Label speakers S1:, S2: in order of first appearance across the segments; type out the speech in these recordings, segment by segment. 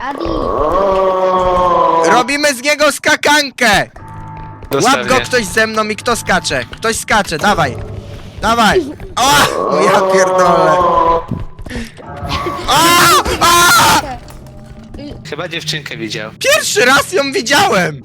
S1: Adi!
S2: Robimy z niego skakankę! Łap go ktoś ze mną i kto skacze? Ktoś skacze, dawaj! Dawaj! O ja pierdolę! A!
S3: Chyba dziewczynkę widział.
S2: Pierwszy raz ją widziałem!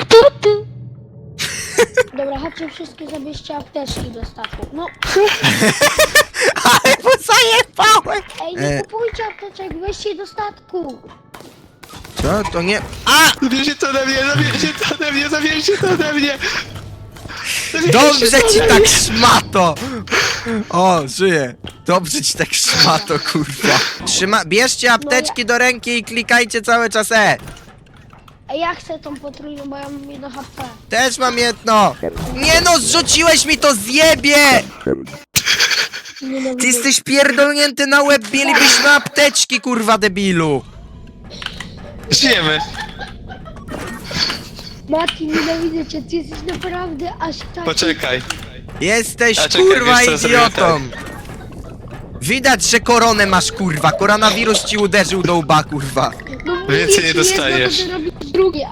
S1: Dobra, chodźcie wszystkie zabierzcie apteczki do statku. No,
S2: Ale mu zajebałem!
S1: ej, nie kupujcie apteczek, weźcie je do statku.
S2: Co? To nie... A!
S3: Zabierzcie to ode mnie, zabierzcie to ode mnie, zabierzcie to ode mnie!
S2: Dobrze ci tak szmato! O, żyję. Dobrze ci tak szmato, kurwa. Bierzcie apteczki do ręki i klikajcie cały czas E.
S1: Ej, ja chcę tą potrójną, bo ja mam 1 HP.
S2: Też mam jedno. Nie no, zrzuciłeś mi to, zjebie! Ty jesteś pierdolnięty na łeb, mielibyśmy apteczki, kurwa, debilu.
S3: Żyjemy.
S1: Mati, nienawidzę cię, ty jesteś naprawdę aż tak...
S3: Poczekaj.
S2: Jesteś,
S3: A czekaj,
S2: kurwa,
S3: wiesz co, zrobię
S2: idiotą. Widać, że koronę masz, kurwa. Koronawirus ci uderzył do łba, kurwa.
S1: No,
S3: Więcej nie
S1: mówię ci,
S3: dostajesz.
S1: jedno, to ty robisz drugie.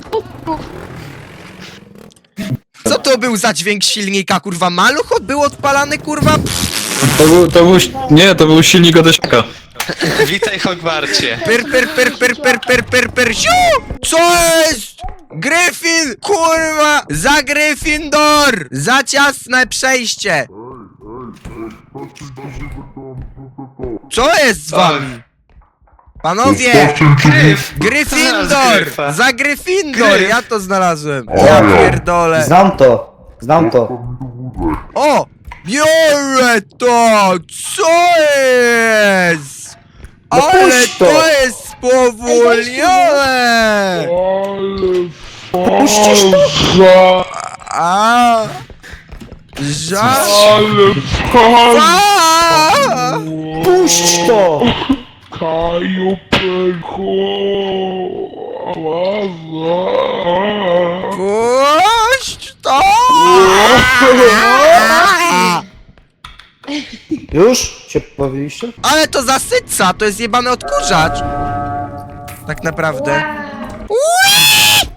S2: Co to był za dźwięk silnika, kurwa? Maluch był odpalany, kurwa?
S4: To był silnik od Esiaka.
S3: Witaj, Hogwarcie.
S2: Pyr, siu! Co jest? Gryfin, kurwa! Za Gryffindor! Za ciasne przejście! Co jest z wami? Panowie!
S3: Gryf!
S2: Gryffindor!
S3: Znalazł Gryfa.
S2: Za Gryffindor!
S3: Gryf.
S2: Ja to znalazłem!
S5: Ja
S2: Ja pierdolę!
S5: Znam to.
S2: O! Biorę to! Co jest?
S5: No
S2: Ale
S5: puść to.
S2: to jest spowolnione!
S5: Puścisz to?
S2: A! Żal!
S5: Puść to!
S2: Puść to!
S5: Już? Się bawiliście?
S2: Ale to zasyca, to jest jebany odkurzacz! Tak naprawdę. Ui!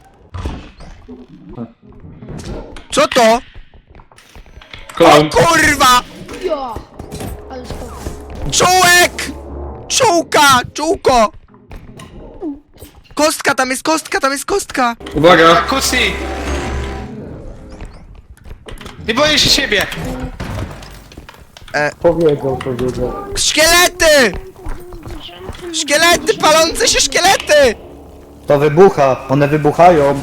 S2: Co to? O
S4: Klam.
S2: kurwa!
S1: Ja! Ale spoko.
S2: Czołek! Czołka! Czołko! Kostka, tam jest kostka, tam jest kostka!
S4: Uwaga!
S3: Kusi! Nie boję się siebie!
S5: Powiedział.
S2: Szkielety! Szkielety, palące się szkielety!
S5: To wybucha, one wybuchają.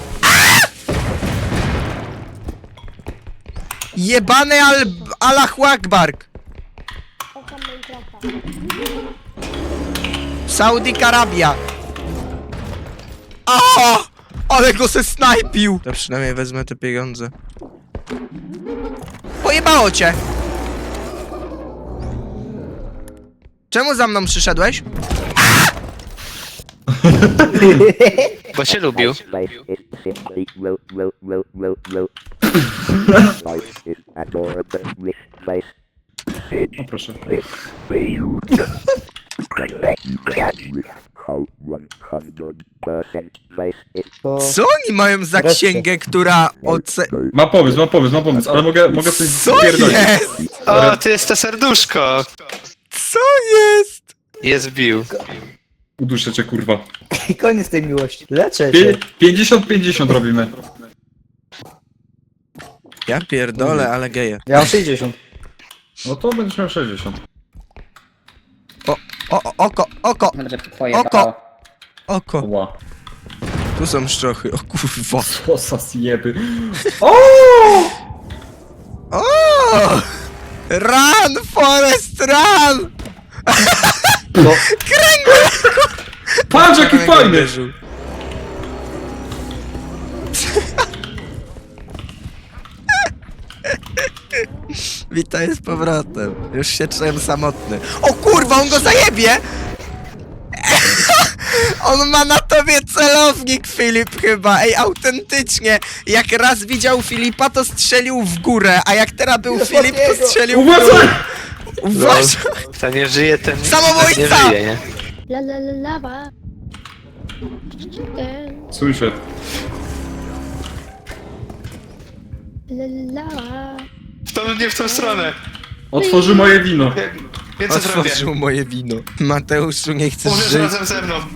S2: Jebany Allahu Akbar!
S1: Kocham Minecrafta.
S2: Saudi Arabia! A! Ale go se snajpił! To przynajmniej wezmę te pieniądze. Pojebało cię! Czemu za mną przyszedłeś?
S3: Bo się lubił.
S6: Life is simply low. Life is adorable with life.
S4: O proszę.
S6: How 100% life is
S5: To...
S2: Co oni mają za
S5: Wreszcie.
S2: księgę, która
S4: Mam pomysł, ale mogę coś
S2: Co
S4: spierdolić.
S2: jest?
S3: O, to jest to serduszko!
S2: Co jest?
S3: Jest bił.
S4: Uduszę cię, kurwa.
S5: I koniec tej miłości. Leczę cię.
S4: 50-50 robimy.
S2: Ja pierdolę, ale geje.
S5: Ja mam 60.
S4: No to będziesz miał 60.
S2: Oko! Oko!
S4: Ła.
S2: Tu są szczochy, o kurwa.
S4: Co za zjeby.
S2: O! Run, Forest, run!
S5: No.
S4: Patrz jaki fajny!
S2: Uderzył. Witaj z powrotem. Już się czułem samotny. O kurwa, on go zajebie! On ma na tobie celownik, Filip, chyba. Ej, autentycznie. Jak raz widział Filipa, to strzelił w górę, a jak teraz był Filip, to strzelił w górę.
S4: Uważaj!
S2: Uważaj!
S3: Kto nie żyje, ten
S2: Samobójca!
S3: nie żyje, nie?
S1: La.
S4: Słyszę.
S1: La.
S3: Nie w tą stronę.
S4: Otworzy moje wino.
S3: Więc co zrobię?
S2: Otworzył moje wino. Mateuszu, nie chcesz
S3: Mówisz
S2: żyć?
S3: razem ze mną.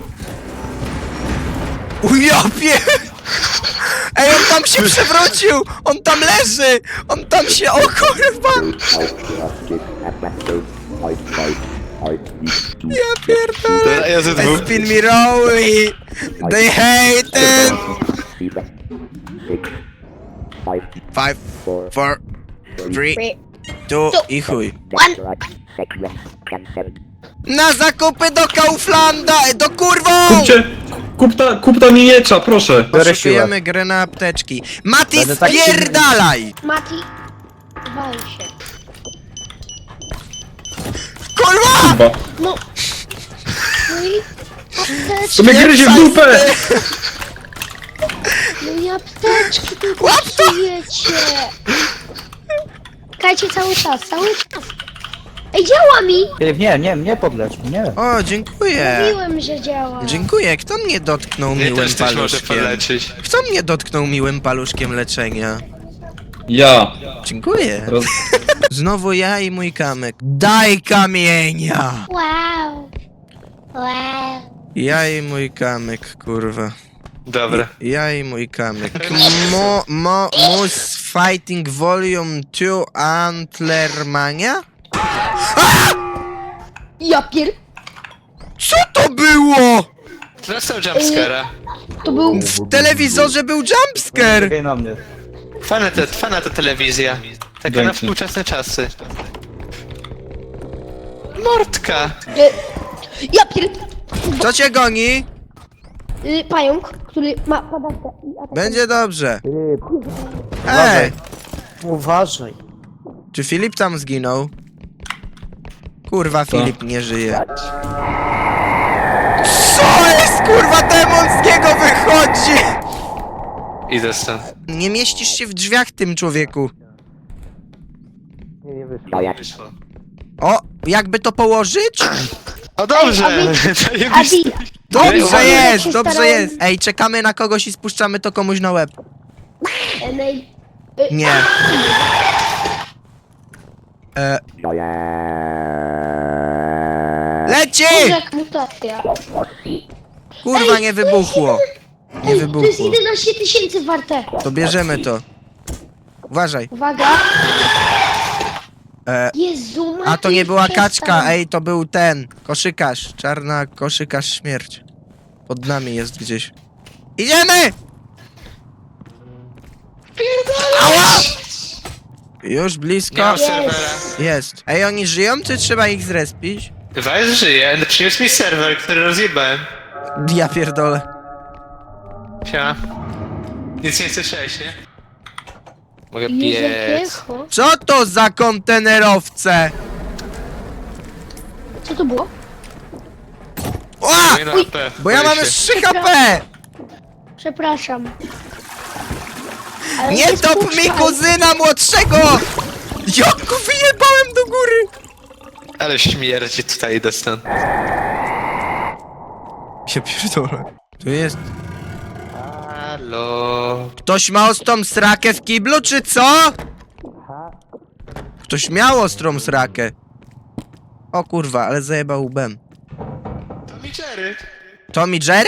S2: Ujopie! Ej, on tam się przewrócił! On tam leży! On tam się... O kurwa!
S6: Outcasted at that game. I fight. I need to
S2: Ja pierdolę!
S3: Dobra, ja ze dwóch.
S2: Spin me rolly! They hate it!
S6: see that. 6, 5,
S2: 5,
S6: 4,
S2: 4, 3, 2 i chuj.
S6: that's right. 6, 7.
S2: Na zakupy do Kauflanda! Do kurwą!
S4: Kup ta miniecza, proszę.
S5: Biorę siłę.
S2: Poszukujemy grę na apteczki. Mati,
S5: Będę tak
S2: spierdalaj!
S1: Mati, wal się.
S2: Kurwa!
S4: Chyba.
S1: No. No i apteczki,
S4: To mnie gryzie w dupę!
S1: no i apteczki tylko
S2: Łap to!
S1: psujecie. Czekajcie cały czas. Ej, działa mi!
S5: Filip, nie podlecz mnie.
S2: O, dziękuję.
S1: Mówiłem, że działa.
S2: Dziękuję. Kto mnie dotknął
S3: Mnie
S2: miłym
S3: też coś może
S2: paluszkiem?
S3: poleczyć.
S2: Kto mnie dotknął miłym paluszkiem leczenia?
S4: Ja.
S2: Dziękuję.
S4: Roz...
S2: Znowu ja i mój kamyk. Daj kamienia!
S1: Wow. Wow.
S2: Ja i mój kamyk, kurwa.
S3: Dobra.
S2: Ja i mój kamyk. Moose Fighting Volume 2 Antlermania?
S1: Ja pier...
S2: Co to było?
S3: Dostał jumpscare'a.
S1: To był...
S2: W telewizorze był jumpscare!
S5: Czekaj na mnie.
S3: Fana ta telewizja. Taka na
S4: Dzięki.
S3: współczesne czasy. Mordka!
S1: Ja pier...
S2: Co cię goni?
S1: Pająk, który ma padawkę i atak.
S2: Będzie dobrze.
S5: Uważaj.
S2: Ej,
S5: Uważaj.
S2: czy Filip tam zginął? Kurwa, Filip nie żyje. Co jest, kurwa, demonskiego wychodzi?
S3: Idę stąd.
S2: Nie mieścisz się w drzwiach, tym człowieku.
S3: Wyszło.
S2: O, jakby to położyć?
S3: O dobrze!
S1: Adi,
S2: Dobrze
S1: Ej,
S2: jest,
S1: się
S2: dobrze
S1: starałem.
S2: jest. Ej, czekamy na kogoś i spuszczamy to komuś na łeb. Nie. Leci!
S1: jak mutacja.
S2: Kurwa, nie wybuchło. Nie
S1: Ej, to jest
S2: wybuchło.
S1: 11 000 warte.
S2: To bierzemy to. Uważaj.
S1: Uwaga. Jezu,
S2: A to nie była
S1: przestań.
S2: kaczka, ej, to był ten. Koszykarz. Czarna koszykarz śmierć. Pod nami jest gdzieś. Idziemy! Ała! Już blisko.
S3: Nie mam serwera.
S2: Jest. Ej, oni żyją, czy trzeba ich zrespić?
S3: Wajs żyje, przyniósł mi serwer, który rozjebałem.
S2: Ja pierdolę.
S3: Siema. Nic nie słyszałeś, nie? Mogę
S1: Jezu,
S3: biec.
S1: piecho.
S2: Co to za kontenerowce?
S1: Co to było?
S2: Ła!
S3: Moje na AP.
S2: Bo ja mam już 3 HP!
S1: Przepraszam. Ale
S2: Nie top mi
S1: spuszczaj.
S2: kuzyna młodszego! Jaku wyjebałem do góry!
S3: Ale śmierdzi tutaj, idę stąd.
S2: Ja pierdolę. Tu jest...
S3: Halo.
S2: Ktoś ma ostrą srakę w kiblu, czy co? Ktoś miał ostrą srakę. O kurwa, ale zajebał łbem.
S3: To mi Jerry.
S2: Tommy Jerry?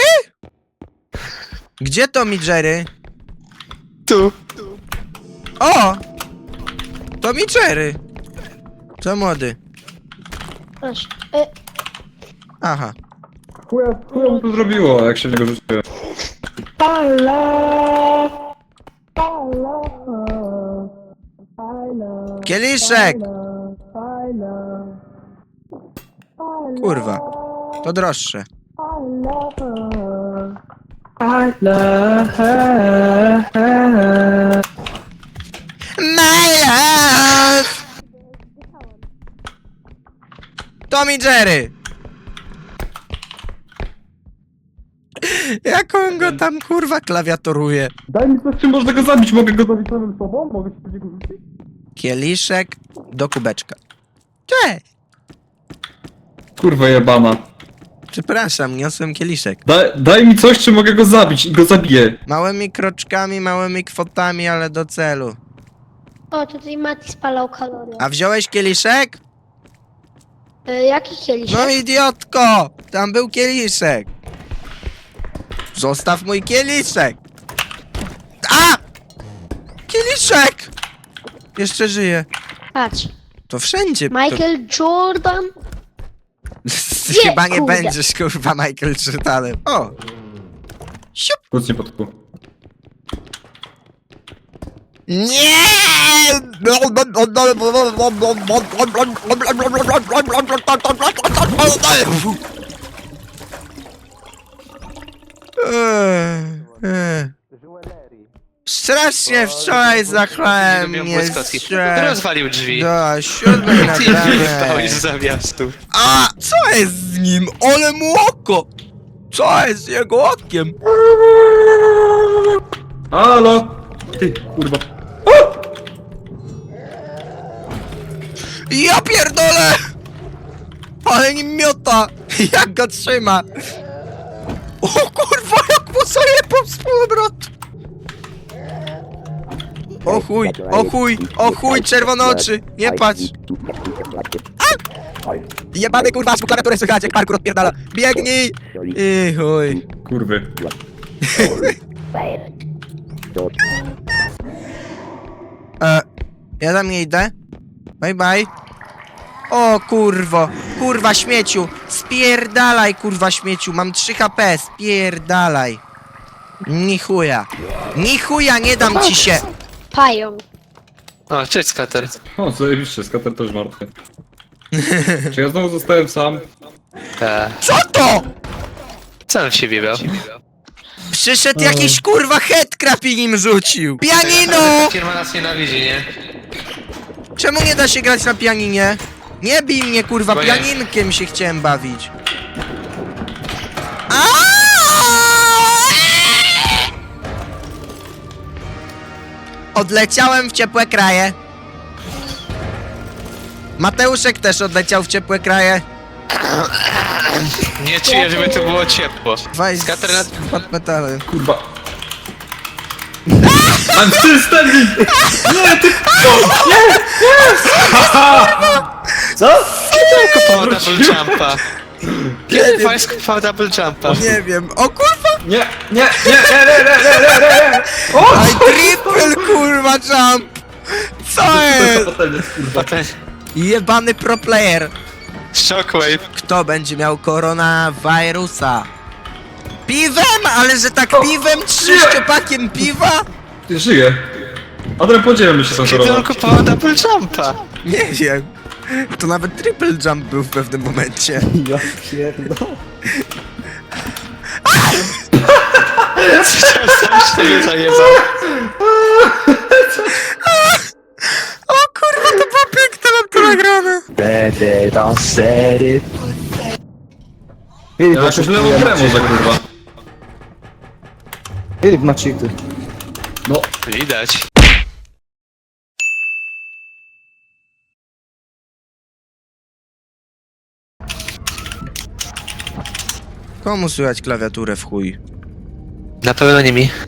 S2: Gdzie Tommy Jerry?
S3: Tu.
S2: O! Tommy Jerry. Co młody?
S1: Proszę.
S2: Aha.
S4: Chuja mu to zrobiło, jak się w niego rzuciłem.
S2: Kieliszek! Kurwa. To droższe. My love! Tommy Jerry! Jak on go tam kurwa klawiaturuje?
S4: Daj mi coś, czy można go zabić? Mogę go zabić samym sobą? Mogę się w niego rzucić?
S2: Przepraszam, niosłem kieliszek.
S4: Daj mi coś, czy mogę go zabić i go zabiję.
S2: Małymi kroczkami, małymi kwotami, ale do celu.
S1: O, tutaj Mati spalał kalorie.
S2: A wziąłeś kieliszek?
S1: Jaki kieliszek?
S2: No idiotko! Tam był kieliszek. Zostaw mój kieliszek. A! Kieliszek! Jeszcze żyje.
S1: Patrz.
S2: To wszędzie.
S1: Michael Jordan.
S2: Ty chyba nie
S1: kurde.
S2: będziesz, kurwa, Michael Jordanem. O! Siup!
S4: Kucnie pod kół.
S2: Nie! Strasznie wczoraj zachlałem mnie.
S3: Rozwalił drzwi.
S2: Do 7 na
S3: Ty wyjebałeś z zawiastu.
S2: A! Co jest z nim? Ole mu oko! Co jest z jego okiem?
S4: Halo! Ty, kurwa.
S2: Ja pierdolę! Ale nim miota! Jak go trzyma! O kurwa, jak mu zajebał z powrotu! O chuj, o chuj, o chuj, czerwone oczy! Nie patrz! Jebany kurwa, z klawiatury słychać, jak parkour odpierdala! Biegnij! I chuj.
S4: Kurwy.
S2: Ja tam nie idę. Bye bye. O kurwo, kurwa śmieciu, spierdalaj kurwa śmieciu, mam 3 HP, spierdalaj. Ni chuja, nie dam ci się.
S1: Pająk.
S3: O, cześć skater.
S4: O, zajebiście, skater też martwy. Czy ja znowu zostałem sam?
S2: Co to?
S3: Co on w siebie miał?
S2: Przyszedł jakiś kurwa headcrab i nim rzucił. Pianino!
S3: Firma nas nienawidzi, nie?
S2: Czemu nie da się grać na pianinie? Nie bij mnie kurwa,
S3: Bo nie.
S2: pianinkiem się chciałem bawić. Odleciałem w ciepłe kraje. Mateuszek też odleciał w ciepłe kraje.
S3: Nie czuję, żeby tu było ciepło.
S2: Weź
S3: Skater na...
S2: pod metalem.
S4: Kurwa. I'm still standing! Nie, ty...
S5: Co?
S3: Kiedy kupował double jumpa? Kiedy Fajs kupował double jumpa?
S2: Nie wiem. O kurwa!
S4: Nie! O!
S2: Aj, triple kurwa jump! Co jest?
S4: Potem jest, kurwa.
S3: Potem
S2: Jebany pro player.
S3: Shockwave.
S2: Kto będzie miał koronawirusa? Piwem? Ale że tak piwem? 3 szczepakiem piwa?
S4: Ty żyje. Adrian, podzielmy się tą
S3: Kiedy on
S4: chorobą.
S3: kupował double jumpa?
S2: Nie wiem. To nawet triple jump był w pewnym momencie.
S5: Ja pierdolę.
S3: Sam siebie zajebał.
S2: O kurwa, to było piękne, mam to nagrane.
S5: Będę tam sery. Filip,
S4: Ja jakoś lewą grę może, kurwa.
S5: Filip ma cheaty.
S4: No.
S3: Widać.
S2: Komu słychać klawiaturę w chuj?
S3: Na pewno nie mi.